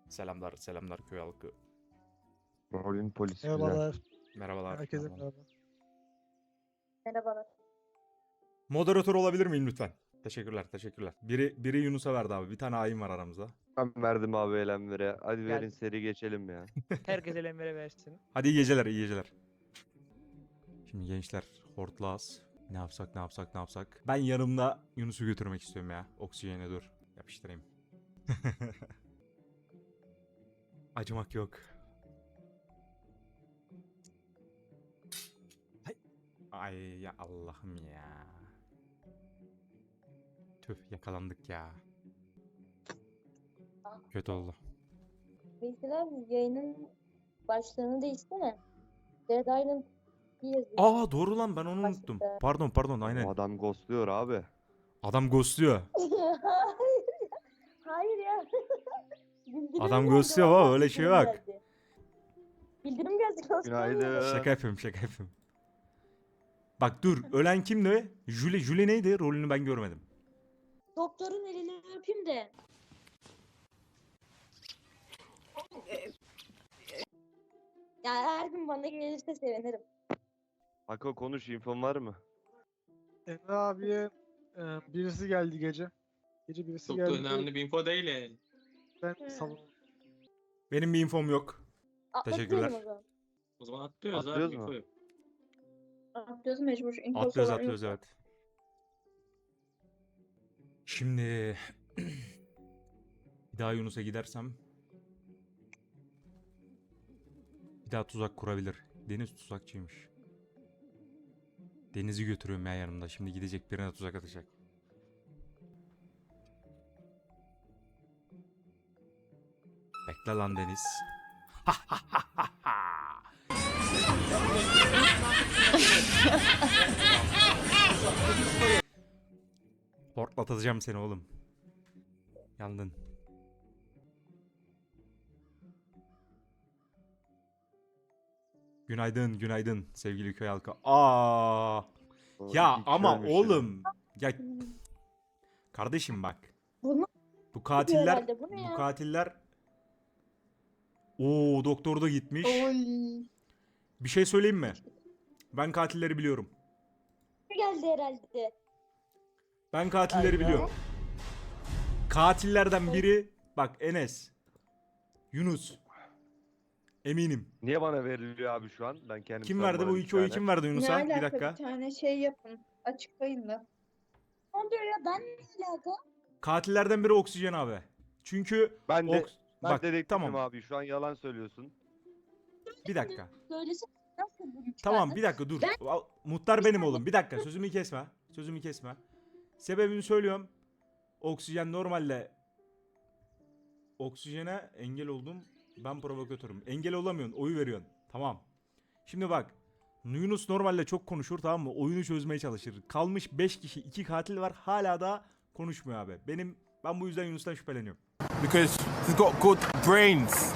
Selamlar, selamlar köy halkı. Rolün polisi güzel. Merhabalar. Merhabalar. Herkese merhabalar. merhaba. Merhabalar. Moderatör olabilir miyim lütfen? Teşekkürler, teşekkürler. Biri Yunus'a verdi abi. Bir tane hain var aramızda. Ben verdim abi elemlere. Hadi Gel. verin seri geçelim ya. Herkes elemlere versin. Hadi iyi geceler, iyi geceler. Şimdi gençler, hortlağız. Ne yapsak, ne yapsak, ne yapsak? Ben yanımda Yunus'u götürmek istiyorum ya. Oksijene dur. Yapıştırayım. Acımak yok. Ay ya Allah'ım ya. Tüh yakalandık ya. Kötü oldu. Veysel abi yayının başlığını değişsene. Dead Island diye yazıyor. Aa doğru lan ben onu unuttum. Başlıkta. Pardon O aynen. adam ghostluyor abi. Adam ghostluyor. Hayır ya. Bildirim Adam geldi, ghostluyor vallahi baba, öyle şey bildirim bak. geldi. Bildirim geldi. ghostluyor. Günaydın. Şaka yapıyorum. Bak dur ölen kimdi? Julie neydi? Rolünü ben görmedim. Doktorun elini öpeyim de. Ya her gün bana gelirse sevinirim. Hako konuş, infon var mı? Emre abiye birisi geldi gece. Gece birisi Çok da geldi. önemli bir info değil yani. Ben Hı. salon. Benim bir infom yok. Teşekkürler. Atlatıyorum o zaman. O zaman atlıyoruz Atlıyoruz abi mu? info yok. Atlıyoruz mecbur. İnfosu Atlıyoruz olan yok. evet. Şimdi bir daha Yunus'a gidersem bir daha tuzak kurabilir. Deniz tuzakçıymış. Deniz'i götürüyorum ya yanımda. Şimdi gidecek birine tuzak atacak. Bekle lan Deniz. Hortlatacağım seni oğlum. Yandın. Günaydın sevgili köy halkı. Aa! O Ya iki ama ölmüş ya. oğlum. Ya kardeşim bak. Bunu Bu katiller herhalde, bu ne ya? katiller Oo doktor da gitmiş. Oy. Bir şey söyleyeyim mi? Ben katilleri biliyorum. Geldi herhalde. Ben katilleri Ay ya. biliyorum. Katillerden biri bak Enes. Yunus. Eminim. Niye bana veriliyor abi şu an? Ben kendim Kim verdi bu iki oyu kim verdi Ne Yunus'a? alaka Bir dakika. bir tane şey yapın. Açıklayın da. Ne oluyor ya? Ben ne alaka? Katillerden biri Oksijen abi. Çünkü Ben de ben bak dedektifim tamam abi. Şu an yalan söylüyorsun. bir dakika. Söylesene nasıl bunu Tamam çıkardın? bir dakika dur. Muhtar benim oğlum. Bir dakika sözümü kesme. Sözümü kesme. Sebebini söylüyorum. Oksijen normalde Oksijene engel oldum. Ben provokatörüm. Engel olamıyorsun. Oyu veriyorsun. Tamam. Şimdi bak. Yunus normalde çok konuşur tamam mı? Oyunu çözmeye çalışır. Kalmış 5 kişi 2 katil var. Hala da konuşmuyor abi. Ben bu yüzden Yunus'tan şüpheleniyorum. Because he's got good brains.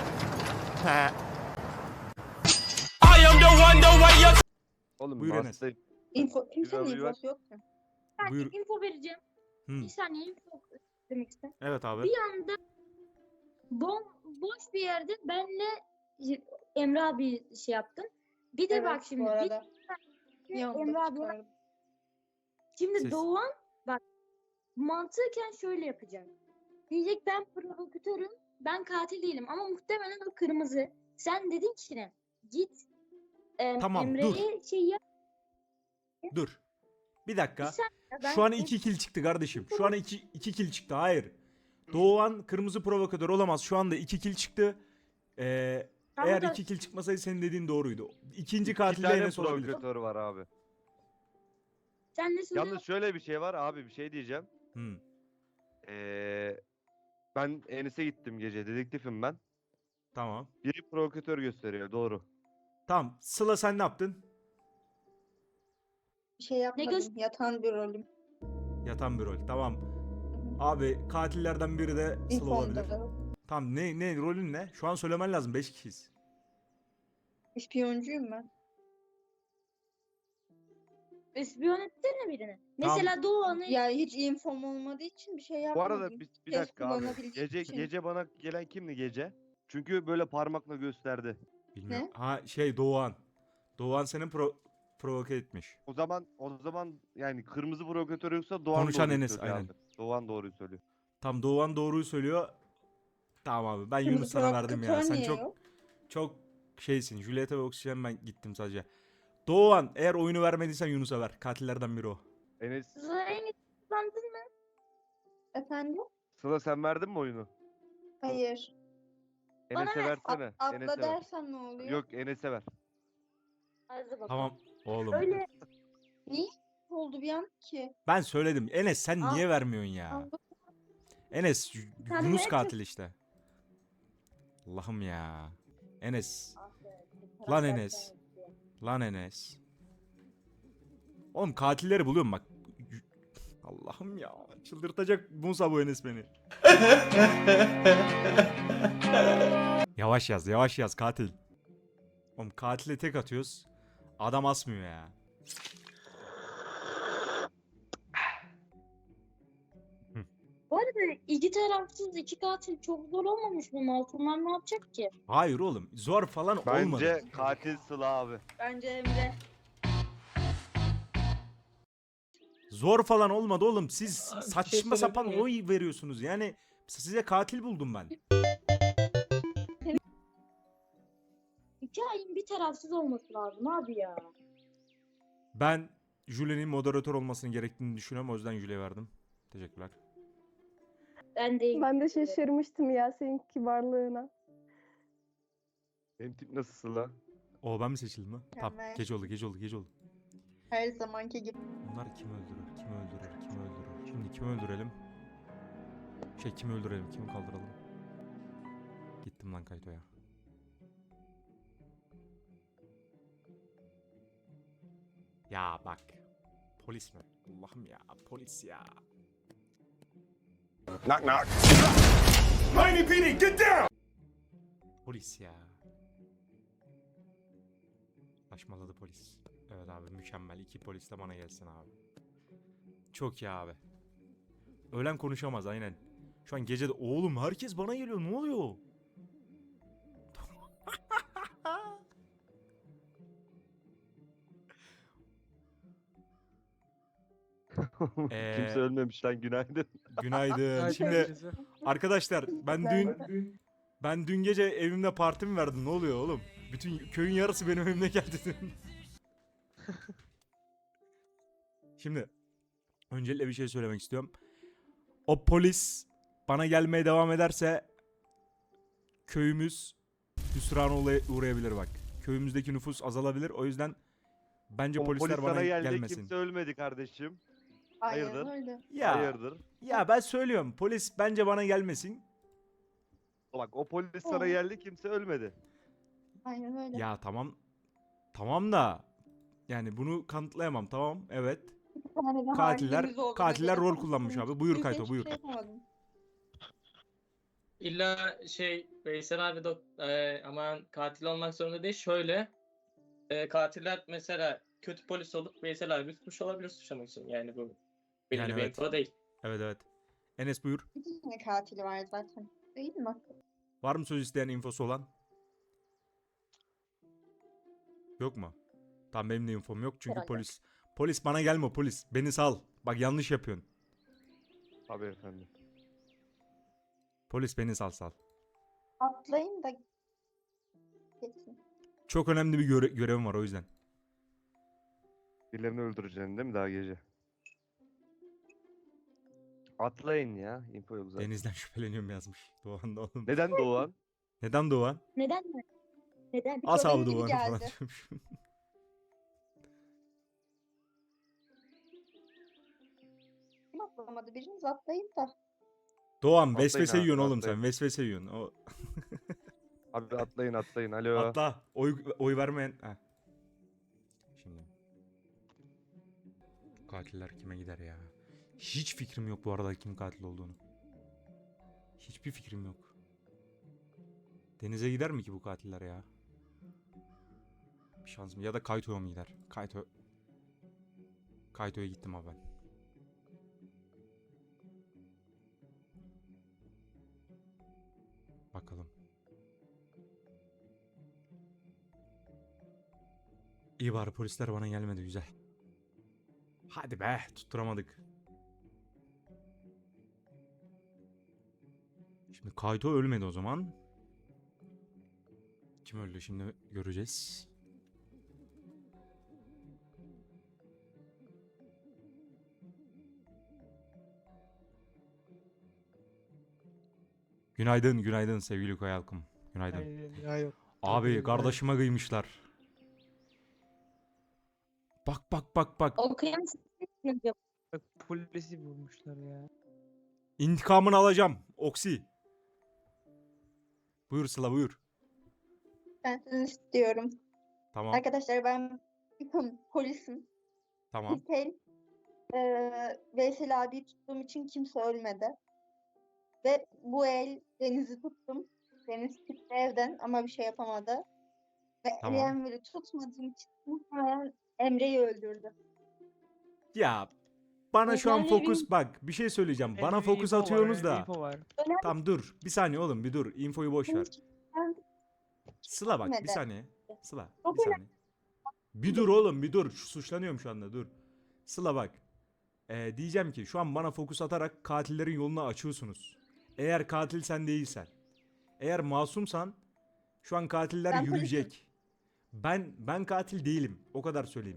Oğlum Buyur Enes. hastayım. Kimsenin Biraz infosu yok ki. Ben Buyur. info vereceğim. Hı. Bir saniye info demek istedim. Evet abi. Bir anda boş bir yerde benle Emre abi şey yaptım. Bir de Evet, bak şimdi bu bir arada. de Bir anda Emre abi çıkardım. şimdi Ses- Doğan bak mantıken şöyle yapacak. Diyecek ben provokatörüm, ben katil değilim ama muhtemelen o kırmızı. Sen dedin ki ne? Git Tamam, Emre'ye şey yap. Dur. Bir dakika. Bir saniye, ben Şu an 2 kill çıktı kardeşim. Şu an 2 kill çıktı. Hayır. Doğan kırmızı provokatör olamaz. Şu anda 2 kill çıktı. Tamam Eğer da- 2 kill çıkmasaydı senin dediğin doğruydu. İkinci İki katil de tane Enes olabilir. provokatör var abi. Sen ne söylüyorsun? Yalnız şöyle bir şey var abi, bir şey diyeceğim. Hmm. Ben Enes'e gittim gece. Dedektifim ben. Tamam. Biri provokatör gösteriyor. Doğru. Tamam. Sıla sen ne yaptın? Bir şey yapmadım. göz- Yatan bir rolüm. Yatan bir rol. Tamam. Abi katillerden biri de Sıla olabilir. İnfomda da. Tamam ne rolün ne? Şu an söylemen lazım 5 kişiyiz. 3 İspiyoncuyum ben. İspiyon etsene birini. Tamam. Mesela Doğan'ı Ya hiç infom olmadığı için bir şey Bu yapmadım. arada bir Ses dakika abi. kullanabildiğim için. Gece bana gelen kimdi gece? Çünkü böyle parmakla gösterdi. Bilmiyorum. Ha şey Doğan. Doğan senin provoke etmiş. O zaman yani kırmızı provokatör yoksa Doğan Konuşan doğruyu Enes, söylüyor aynen. abi. Doğan doğruyu söylüyor. Tam Doğan doğruyu söylüyor. Tamam abi ben Yunus sana verdim ya. Provokatör Sen niye çok yok? çok şeysin. Juliet'e ve Oksijen ben gittim sadece. Doğan eğer oyunu vermediysen Yunus'a ver. Katillerden biri o. Enes, Zengin kullandın mı? Efendim? Sıla sen verdin mi oyunu? Hayır. Enes'e ver. versene. Atla Enes'e ver. dersen ne oluyor? Yok Enes'e ver. Hadi bakalım. Tamam oğlum. Öyle Niye oldu bir an ki? Ben söyledim. Enes sen Al. niye vermiyorsun ya? Anladım. Enes Sen Yunus ne katil işte. Allah'ım ya. Enes. Lan karakter Enes. kendisi. Lan Enes. Oğlum katilleri buluyorum bak. Allah'ım ya. Çıldırtacak Musa bu Enes beni. Yavaş yaz, yavaş yaz katil. Oğlum katile tek atıyoruz. Adam asmıyor ya. Bu arada iki tarafsız iki katil çok zor olmamış mı? Masumlar ne yapacak ki? Hayır oğlum. Zor falan olmadı. Bence katil Sıla abi. Bence Emre. Zor falan olmadı oğlum. Siz Abi bir şey saçma sapan söyleyebilir oy veriyorsunuz. Yani size katil buldum ben. Hikayenin bir tarafsız olması lazım abi ya. Ben Jule'nin moderatör olmasını gerektiğini düşünüyorum. O yüzden Jule'ye verdim. Teşekkürler. Ben de Ben de şaşırmıştım ya senin kibarlığına. Benim tip nasıl Sıla? O ben mi seçildim ha? Tamam. Mükemmel. Gece oldu, gece oldu, gece oldu. Her zamanki gibi. Bunlar kim öldürür, kim öldürür, kim öldürür? Şimdi kimi öldürelim? Kimi öldürelim, kimi kaldıralım? Gittim lan Kayto'ya. Ya bak. Polis mi? Allah'ım ya, polis ya. Knock knock. Miami PD, get down! Polis ya. Saçmaladı polis. Evet abi mükemmel. 2 polis de bana gelsin abi. Çok iyi abi. Öğlen konuşamaz aynen. Şu an gece de oğlum herkes bana geliyor ne oluyor? Kimse ölmemiş lan günaydın. Günaydın. Günaydın Şimdi herkese. arkadaşlar ben dün gece evimde parti mi verdim? Ne oluyor oğlum? Bütün köyün yarısı benim evime geldi dün. Şimdi öncelikle bir şey söylemek istiyorum. O polis bana gelmeye devam ederse köyümüz hüsrana uğrayabilir bak. Köyümüzdeki nüfus azalabilir. O yüzden bence O polisler polis bana sana geldi gelmesin. kimse ölmedi kardeşim. Aynen Hayırdır? öyle. Ya Hayırdır? ya ben söylüyorum. Polis bence bana gelmesin. Bak o polis sana geldi kimse ölmedi. Aynen öyle. Ya tamam. Tamam da yani bunu kanıtlayamam. Tamam. Evet. Bir tane de Katiller- halimiz olduğuna katiller göre rol kullanmış abi. Buyur kimse Kayto, hiçbir buyur. şey yapamadım. İlla Veysel abi aman katil olmak zorunda değil. Şöyle katiller mesela kötü polis olup Veysel abi suç olabilir suçlamak için. Yani bu belli Yani bir evet. info değil. Evet evet. Enes buyur. Bir tane katili var zaten. Değil mi? Var mı söz isteyen infosu olan? Yok mu? Tamam benim de infom yok çünkü Herhalde. polis bana gelme polis. Beni sal. Bak yanlış yapıyorsun. Tabii efendim. Polis beni sal. Atlayın da geçin. Çok önemli bir görevim var o yüzden. Birilerini öldüreceksin değil mi daha gece? Atlayın ya. Info yok zaten. Deniz'den şüpheleniyorum yazmış. Doğan da oğlum. Neden Doğan? Neden Doğan? Neden mi? Neden? As Benim abi gibi Doğan'ı falan geldi. diyormuş. Kim atlamadı? Biriniz atlayın da. Doğan Atlayın vesvese abi, yiyorsun oğlum atlayın. sen. Vesvese yiyorsun. O... Abi atlayın. Alo. Atla. Oy vermeyen. Heh. Şimdi. Katiller kime gider ya? Hiç fikrim yok bu arada kim katil olduğunu. Hiçbir fikrim yok. Deniz'e gider mi ki bu katiller ya? Bir şans mı? Ya da Kayto'ya mı gider? Kayto. Kaito'ya gittim abi ben. Bakalım. İyi bari polisler bana gelmedi, güzel. Hadi be, tutturamadık. Şimdi Kaito ölmedi o zaman. Kim öldü şimdi göreceğiz. Günaydın, günaydın sevgili Koy halkım. Günaydın. Aynen ya yok. Abi Tabii, kardeşime kıymışlar. Bak bak bak bak. Okuyan sizsiniz acaba? Bak, polisi vurmuşlar ya. İntikamını alacağım. Oksi. Buyur Sıla, buyur. Ben sizin istiyorum. Tamam, Arkadaşlar ben polisim. tamam. İlk el Veysel abiyi tuttuğum için kimse ölmedi. Ve bu el Deniz'i tuttum. Deniz çıktı evden ama bir şey yapamadı. Ve Tamam. Enver'i tutmadığım için muhtemelen Emre'yi öldürdü. Ya bana şu an Yani fokus, bak bir şey söyleyeceğim. Bana Bende bir fokus info var, atıyorsunuz bende da. info var. Tamam dur. Bir saniye oğlum, bir dur. Infoyu boş ver. Sıla bak bir Gitmedi. saniye. Sıla Çok bir saniye. Bir dur oğlum, bir dur. Suçlanıyorum şu anda, dur. Sıla bak. Diyeceğim ki şu an bana fokus atarak katillerin yolunu açıyorsunuz. Eğer katil sen değilsen. Eğer masumsan şu an katiller Ben yürüyecek. Ben katil değilim. O kadar söyleyeyim.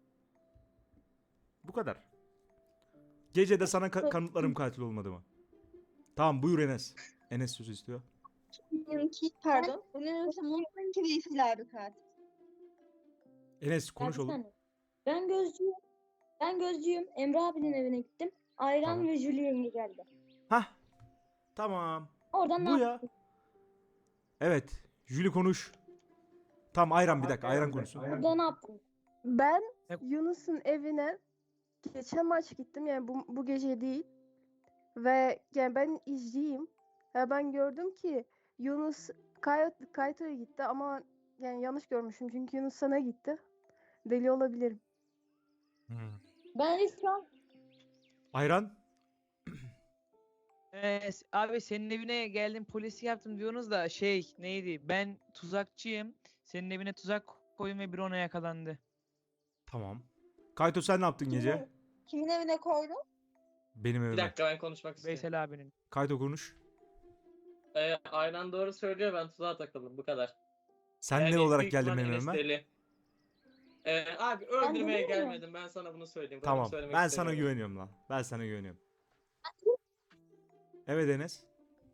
Bu kadar. Gece de sana kanıtlarım katil olmadığımı. Tamam buyur Enes. Enes söz istiyor. Pardon. Bunun ki Veysel abi katil. Enes Ya konuş bir oğlum. saniye. Ben gözcüyüm. Ben gözcüyüm. Emre abinin evine gittim. Ayran Tamam. ve Julien'e geldi. Hah. Tamam. Oradan Bu ne ya. yaptın? Evet. Jüli konuş. Tamam ayran bir dakika. Ayran konuşsun. Orada ne yaptın? Ben Yap. Yunus'un evine geçen maç gittim, yani bu gece değil. Ve yani ben izleyeyim. Ya ben gördüm ki Yunus Kaito'ya gitti ama yani yanlış görmüşüm çünkü Yunus sana gitti. Deli olabilirim. Hmm. Ben de şu an Ayran. Abi senin evine geldim polisi yaptım diyorsunuz da şey neydi? Ben tuzakçıyım. Senin evine tuzak koydum ve bir ona yakalandı. Tamam. Kayto sen ne yaptın gece? Kimin evine koydun? Benim Bir evime. dakika ben konuşmak istiyorum. Veysel abinin. Kayto konuş. Aynen doğru söylüyor, ben tuzağa takıldım, bu kadar. Sen Yani ne olarak büyük geldin ihtimal benim Enes evime? deli. Abi öldürmeye dedim ya. gelmedim, ben sana bunu söyleyeyim. Bunu Tamam. söylemek Ben sana istemiyorum. güveniyorum lan. Ben sana güveniyorum. Evet Enes.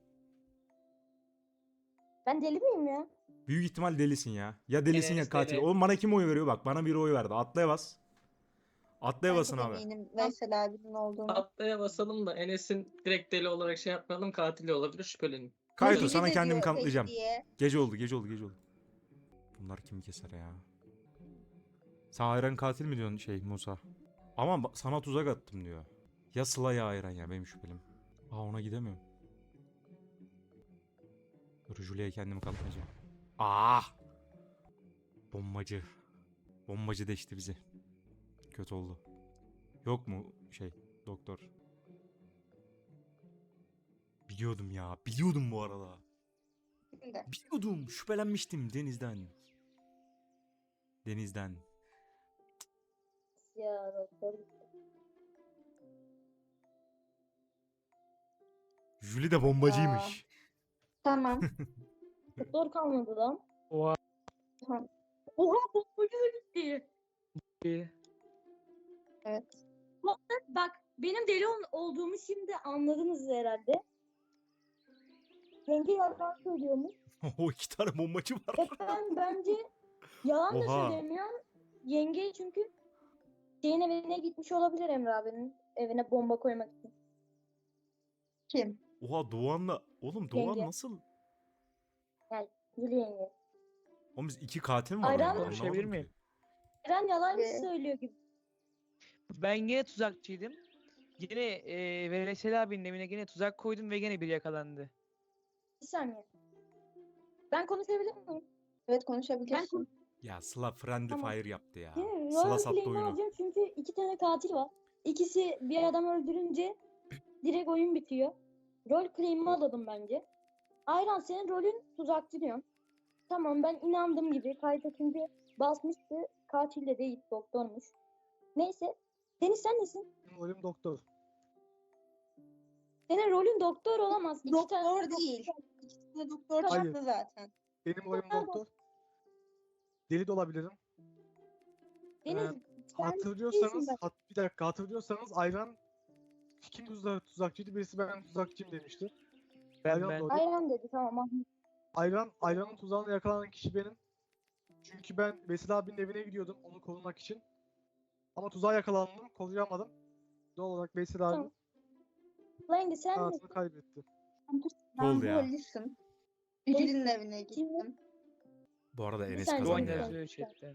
ben deli miyim ya? Büyük ihtimal delisin ya. Ya delisin ya Enes katil. deli. Oğlum bana kim oy veriyor? Bak bana biri oy verdi. Atlaya bas. Atlaya Ben basın çok abi. eminim Veysel abinin olduğunu. Atlaya basalım da Enes'in direkt deli olarak şey yapmayalım, katili olabilir, şüphelenin. Kayto Biri sana de kendimi diyor kanıtlayacağım. tek diye. Gece oldu, gece oldu, gece oldu. Bunlar kimi keser ya? Sen Ayran katil mi diyorsun şey Musa? Ama sana tuzak attım diyor. Ya Sıla ya Ayran ya, benim şüphelim. Aa ona gidemiyorum. Dur Julia'ya kendimi kanıtlayacağım. Aa! Bombacı. Bombacı deşti bizi. Kötü oldu. Yok mu şey doktor? Biliyordum ya. Biliyordum bu arada. Şimdi. Biliyordum. Şüphelenmiştim Deniz'den. Deniz'den. Ya doktor. Jüli de bombacıymış. Tamam. Doktor kalmadı lan. Oha. Oha bombacı da gitti. Evet. Bak benim deli olduğumu şimdi anladınız herhalde. Yenge yalan söylüyormuş. O iki tane bombacı var. Ve ben bence yalan da Oha. söylemiyorum. Yenge çünkü şeyin evine gitmiş olabilir, Emre abinin evine bomba koymak için. Kim? Oha Doğan'la. Oğlum Doğan Yenge. nasıl? Jüli yenge. Oğlum biz iki katil mi var? Ayran orada? konuşabilir Anlamadım miyim? ki. Eren yalan Ve- söylüyor gibi. Ben yine tuzakçıydım. Yine Veysel abinin evine yine tuzak koydum ve yine biri yakalandı. Bir saniye. Ben konuşabilir miyim? Evet konuşabilirsin. Ya Sıla friendly Tamam. fire yaptı ya. Değil mi? Sıla Rol sattı play'imi oyunu. alacağım çünkü 2 tane katil var. İkisi bir adam öldürünce direkt oyun bitiyor. Rol play'imi alalım bence. Ayran senin rolün tuzakçı diyorsun. Tamam ben inandım gibi. Kayıt çünkü basmıştı. Katil de değil doktormuş. Neyse. Deniz sen nesin? Benim rolüm doktor. Senin rolün doktor olamaz. İki tane Doktor değil. İkisi de doktor Hayır. çıktı zaten. Benim rolüm Pardon. doktor. Deli de olabilirim. Deniz sen Hatırlıyorsanız, değilsin bir dakika hatırlıyorsanız Ayran kim tuzakçıydı? Birisi ben tuzakçıyım demişti. Ayran Ben. doğru. Ayran dedi tamam. Ayran'ın tuzağına yakalanan kişi benim. Çünkü ben Vesil abinin evine gidiyordum onu korumak için. Ama tuzağa yakalandım, koruyamadım. Doğal olarak Vesil abi Tamam. Lange sen hayatını nesin? kaybetti. Ben oldu ya? polisim. Birinin evine gittim. Bu arada Bir Enes saniye, kazandı bir ya. saniye. yazıyor chatten.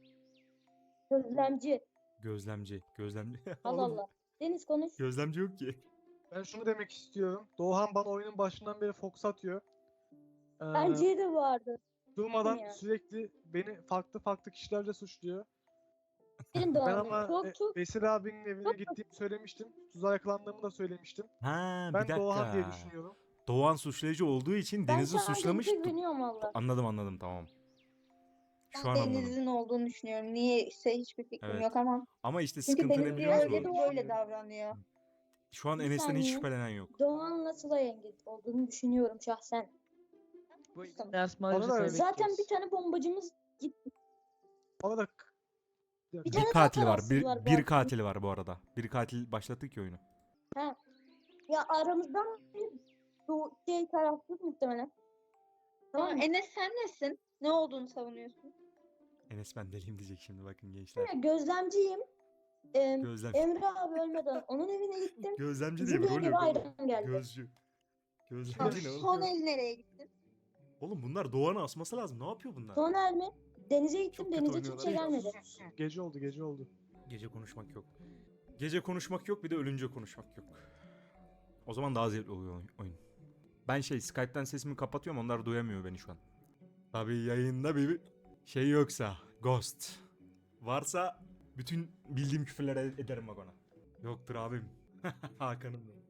Gözlemci. Gözlemci. Gözlemci. Allah Oğlum, Allah. Deniz konuş. Gözlemci yok ki. Ben şunu demek istiyorum. Doğan bana oyunun başından beri fox atıyor. Bence de vardı. Durmadan ya. sürekli beni farklı kişilerle suçluyor. Senin Ben doğan. ama Korktu. Vesil abinin evine gittiğimi söylemiştim. Tuzağa yakalandığımı da söylemiştim. Ha bir Ben dakika. Doğan diye düşünüyorum. Doğan suçlayıcı olduğu için Ben Deniz'i şu an suçlamış. Deniz'e güveniyorum valla. Anladım tamam. Şu Ben an anladım. Deniz'in olduğunu düşünüyorum. Niye ise hiçbir fikrim Evet. yok ama. Ama işte Çünkü sıkıntı ne Deniz biliyor öyle musun? böyle davranıyor. Şu an Bir Enes'ten hiç saniye. şüphelenen yok. Doğan'la Sıla yenge olduğunu düşünüyorum şahsen. Bu Tamam. yansımaları Bana da- Zaten bir tane bombacımız gitti. Bana da Bir Bir tane katil daha var. tarafsız var bu Bir arada. katil var bu arada. Bir katil başlattı ki oyunu. Ya aramızdan bir bu şey tarafsız muhtemelen. Tamam Tamam, mı? Enes sen nesin? Ne olduğunu savunuyorsun? Enes ben deliyim diyecek şimdi bakın gençler. Gözlemciyim. Gözlem. Emre abi ölmeden onun evine gittim. Gözlemci diye bir Zübeyir rol yok oğlum. Ayran geldi. Gözcü. Tamam, Gözlemci ne oğlum? son el nereye gittin? Oğlum bunlar Doğan'ı asması lazım. Ne yapıyor bunlar? Soner mi? Denize gittim. Çok kötü Denize oynuyorlar. kimse gelmedi. Gece oldu. Gece konuşmak yok. Gece konuşmak yok bir de ölünce konuşmak yok. O zaman daha zevkli oluyor oyun. Ben Skype'ten sesimi kapatıyorum onlar duyamıyor beni şu an. Tabii yayında bir şey yoksa Ghost. Varsa bütün bildiğim küfürleri ederim bak ona. Yoktur abim. Hakan'ım benim.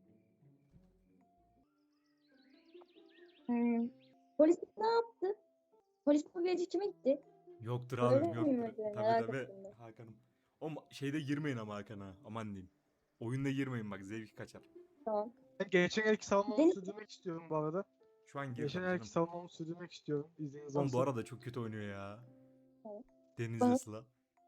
Polis ne yaptı? Polis bu gece kime gitti? Yoktur Öyle abim mi yoktur. mesela? Merak Tabii ettim ben. Hakan'ım. O şeyde girmeyin ama Hakan'a. Aman diyeyim. Oyunda girmeyin bak zevki kaçar. Tamam. Ben geçen elki savunmamı Deniz- sürdürmek istiyorum bu arada. Şu an gir. Geçen canım. elki savunmamı sürdürmek istiyorum. İzniniz Oğlum bu olsa. arada çok kötü oynuyor ya. Evet. Deniz'le Bana- Sıla.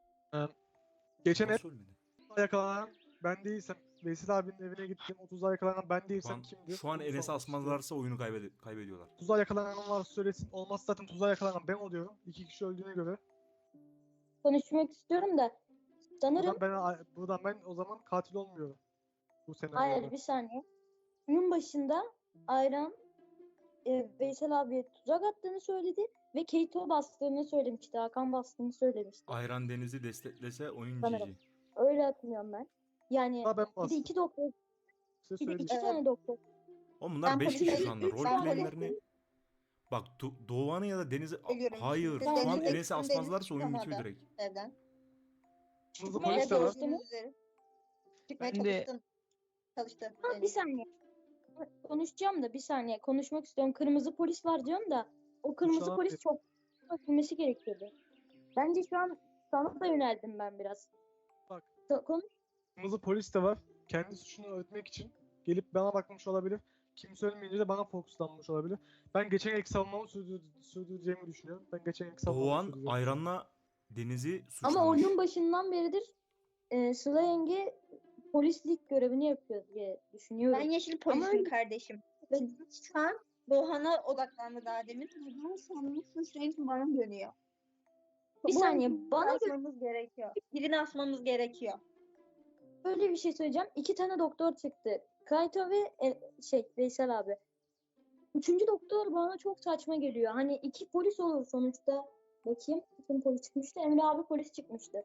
Geçen el Nasıl ölmedi? yakalanan ben değilsem Vesil abinin evine gittim. O tuzağa yakalanan ben Şu değilsem an, kimdi? şu an Bunu Enes'i sormak istiyorum. asmazlarsa oyunu kaybediyorlar. Tuzağa yakalanan varsa söylesin. Olmazsa zaten tuzağa yakalanan ben oluyorum. 2 kişi öldüğüne göre. Konuşmak istiyorum da sanırım Buradan ben o zaman katil olmuyorum. Bu senaryoda. hayır bir saniye. Oyun başında Ayran Veysel abiye tuzak attığını söyledi ve Keito bastığını söylemişti. Hakan bastığını söylemişti. Ayran Deniz'i desteklese oyun Sanırım. GG. Öyle hatırlıyorum ben. Yani Ha, ben bir de bastım. iki doktor, Size bir de söyleyeyim. iki Evet. tane doktor. Oğlum bunlar Ben 5 kişi polisim. şu anda. Ben Roleplay'lerini... Bak Doğan'ı ya da Deniz'i... Ölüyorum. Hayır. Şimdi Şu an Deniz'i Enes'i ektim, asmazlarsa Deniz oyun bitiyor çıkamadı. direkt. Evden. Hızlı Çıkmaya polis de var. çalıştım. Gördüğünüz üzere. Çıkmaya Ben de- çalıştım. Çalıştı. Ha, bir Deniz. saniye. Konuşacağım da bir saniye. Konuşmak istiyorum. Kırmızı polis var diyorum da o kırmızı an polis bir- çok bilmesi gerekiyordu. Bence şu an sana da yöneldim ben biraz. Bak. Konuş. Kırmızı polis de var. Kendi suçunu örtmek için gelip bana bakmış olabilir. Kimse ölmeyince de bana fokuslanmış olabilir. Ben geçen ilk savunmamı sürdüreceğimi düşünüyorum. Ben geçen ilk savunmamı Doğan sürdüreceğim. Ayran'la Deniz'i suçlamış. Ama oyunun başından beridir Sıla yenge polislik görevini yapıyor diye düşünüyorum. Ben yeşil Ama polisim öyle- kardeşim. Evet. Şu an Doğan'a odaklandı daha demin. Ben sanırım suçlayıcı bana dönüyor. Bir Bu saniye, birini bana asmamız gerekiyor. Birini asmamız gerekiyor. Böyle bir şey söyleyeceğim. 2 tane doktor çıktı. Kaito ve Veysel abi. Üçüncü doktor bana çok saçma geliyor. Hani 2 polis olur sonuçta. Bakayım. Kim polis çıkmıştı? Emre abi polis çıkmıştı.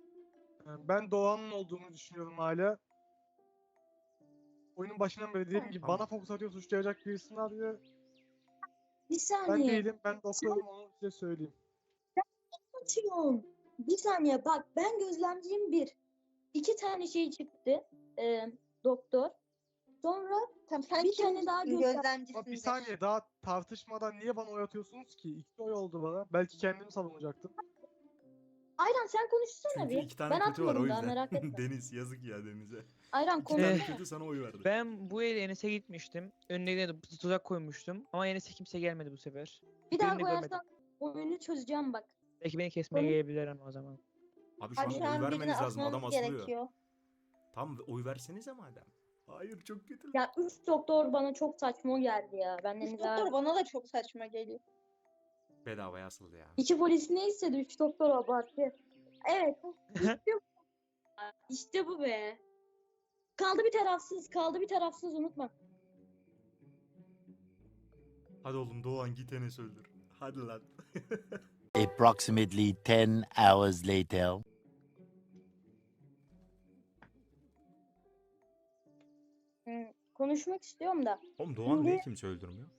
Ben Doğan'ın olduğunu düşünüyorum hala. Oyunun başından beri dediğim gibi Tamam. bana fokus atıyor, suçlayacak birisini arıyor. Bir Ben saniye. değilim, ben doktorum onu size söyleyeyim. anlatıyorum. Bir saniye bak, ben gözlemciyim bir. 2 tane şey çıktı. Doktor. Sonra Tamam sen bir tane daha kimsin? gözlem- Gözlemcisin Ama bir de. saniye daha tartışmadan niye bana oy atıyorsunuz ki? 2 oy oldu bana. Belki kendimi savunacaktım. Ayran sen konuşsana Çünkü bir. 2 tane Ben kötü var o atmadım daha, yüzden. merak etme. Deniz yazık ya Deniz'e. Ayran 2 tane konuşsana. kötü sana oy verdi. Ben bu el Enes'e gitmiştim. Önüne de tuzak koymuştum. Ama Enes'e kimse gelmedi bu sefer. Bir daha Birini görmedim. koyarsan oyunu çözeceğim bak. Belki beni kesmeye Konuş- gelebilirler ama o zaman. Abi şu Abi an şu oy an birini vermeniz lazım. Adam asmamız asılıyor. gerekiyor. Tamam oy versenize madem. Hayır çok kötü. Ya 3 doktor bana çok saçma geldi ya. Benden Üç daha... doktor bana da çok saçma geliyor. Bedavaya asıldı ya. 2 polis ne istedi? 3 doktor abarttı. Evet. İşte bu. İşte bu be. Kaldı bir tarafsız unutma. Hadi oğlum Doğan git Enes öldür. Hadi lan. Approximately 10 hours later. Konuşmak istiyorum da. Oğlum Doğan Şimdi- niye kimse öldürmüyor?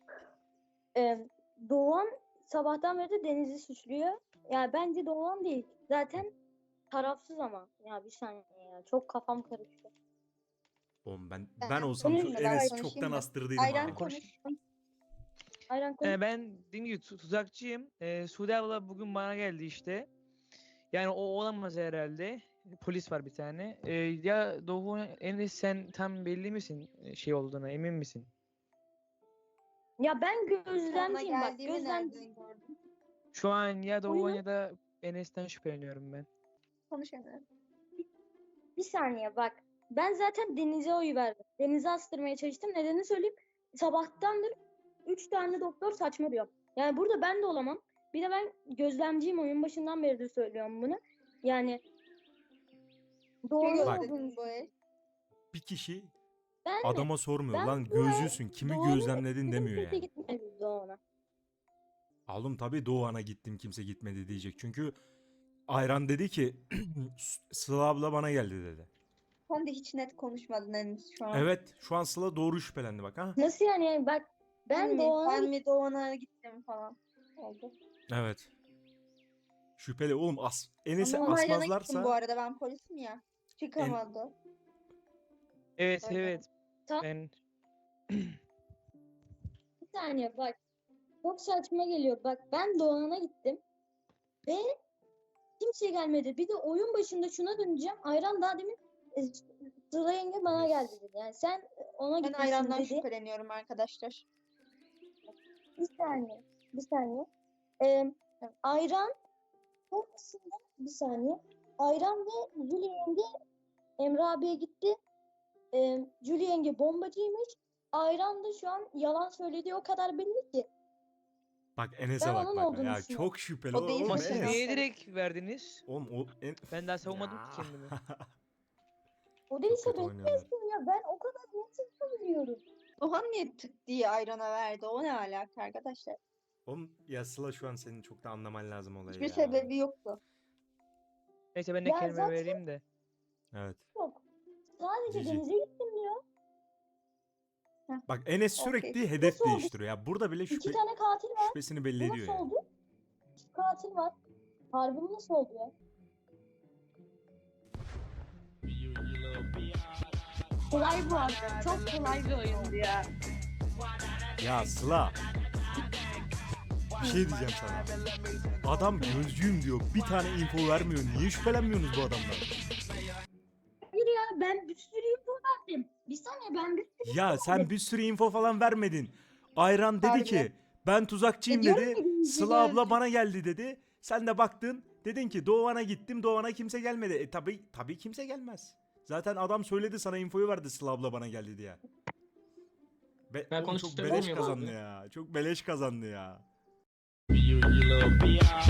Doğan sabahtan beri de Deniz'i suçluyor. Ya bence Doğan değil. Zaten tarafsız ama. Ya bir saniye ya. Çok kafam karıştı. Oğlum ben Ben olsam şu konuşayım mı? Enes'i Ben çoktan konuşayım mı? astırdıydım Ayran abi. konuş. Ayran konuş. Ben dediğim gibi tuzakçıyım. Sude abla bugün bana geldi işte. Yani o olamaz herhalde. Polis var bir tane. Ya Doğu Enes sen tam belli misin şey olduğuna emin misin? Ya ben Sonra gözlemciyim bak. geldiğimi Gözlemci. nereden gördün? Şu an ya Doğu Oyunu- ya da Enes'ten şüpheleniyorum ben. Konuşamıyorum. Bir saniye bak. Ben zaten Deniz'e oy verdim. Deniz'i astırmaya çalıştım. Nedenini söyleyeyim. Sabahtandır 3 tane doktor saçma diyor. Yani burada ben de olamam. Bir de ben gözlemciyim, oyun başından beri de söylüyorum bunu. Yani doğru Kim Bak. gözledin bu el? Bir kişi ben de adama sormuyor ben lan bu el gözcüsün kimi Doğan'ı gözlemledin gitmedim, demiyor kimse yani. gitmedi Doğan'a. Oğlum tabii Doğan'a gittim kimse gitmedi diyecek. Çünkü Ayran dedi ki Sıla abla bana geldi dedi. Sen de hiç net konuşmadın henüz şu an. Evet şu an Sıla doğru şüphelendi bak ha. Nasıl yani? Bak ben Doğan'a Ben mi Doğan'a gittim falan oldu. Evet. Şüpheli oğlum Enes'i Ama Ayrana gittim bu asmazlarsa arada, ben polisim ya. Çıkamadı. Evet Öyle. evet. Tam- Ben bir saniye bak. Çok saçma geliyor. Bak ben Doğan'a gittim. Ve kimse gelmedi. Bir de oyun başında şuna döneceğim. Ayran daha demin Sıla yenge bana geldi dedi. Yani sen ona Ben gitmişsin Ayran'dan dedi. şüpheleniyorum arkadaşlar. Bir saniye. Ayran sonrasında bir saniye. Ayran ve Jüli yenge Emre abiye gitti. Jüli yenge bombacıymış. Ayran da şu an yalan söylediği o kadar belli ki. bak Enes'e Ben bak onun bak olduğunu ya düşünüyorum. çok şüpheli O değil oğlum ama başına. siz Enes. niye direkt verdiniz? Oğlum o Ben daha savunmadım Ya. ki kendimi. O değilse kötü oynuyorlar. bekliyorsun ya. Ben o kadar net söylüyorum. Doğan niye tık diye Ayran'a verdi? O ne alaka arkadaşlar? Oğlum ya Sıla şu an senin çok da anlaman lazım olayı Hiçbir ya. sebebi yoktu. Neyse ben de Ya kelime zaten- vereyim de. Evet. Yok. Sadece Cici. denize gittim diyor. Bak Enes Okey. sürekli hedef Nasıl oldu? değiştiriyor ya. Burada bile 2 tane katil var. şüphesini belli Bu ediyor nasıl ya. oldu? 2 katil var. Harbi bu nasıl oldu ya? Kolay bu arada. Çok kolay bir oyundu ya. Ya Sıla. Bir şey diyeceğim sana. Adam gözcüyüm diyor. Bir tane info vermiyor. Niye şüphelenmiyorsunuz bu adamdan? Hayır ya ben bir sürü info verdim. Bir saniye ben bir sürü Ya sen bir sürü info falan vermedin. Ayran dedi Harbi. ki ben tuzakçıyım diyorum dedi. ya, bizi Sıla abla öldü. bana geldi dedi. Sen de baktın. Dedin ki Doğan'a gittim. Doğan'a kimse gelmedi. Tabii kimse gelmez. Zaten adam söyledi sana infoyu verdi Sıla abla bana geldi diye. Ben Oğlum çok konuşabilir beleş miyim kazandı abi? ya. Çok beleş kazandı ya.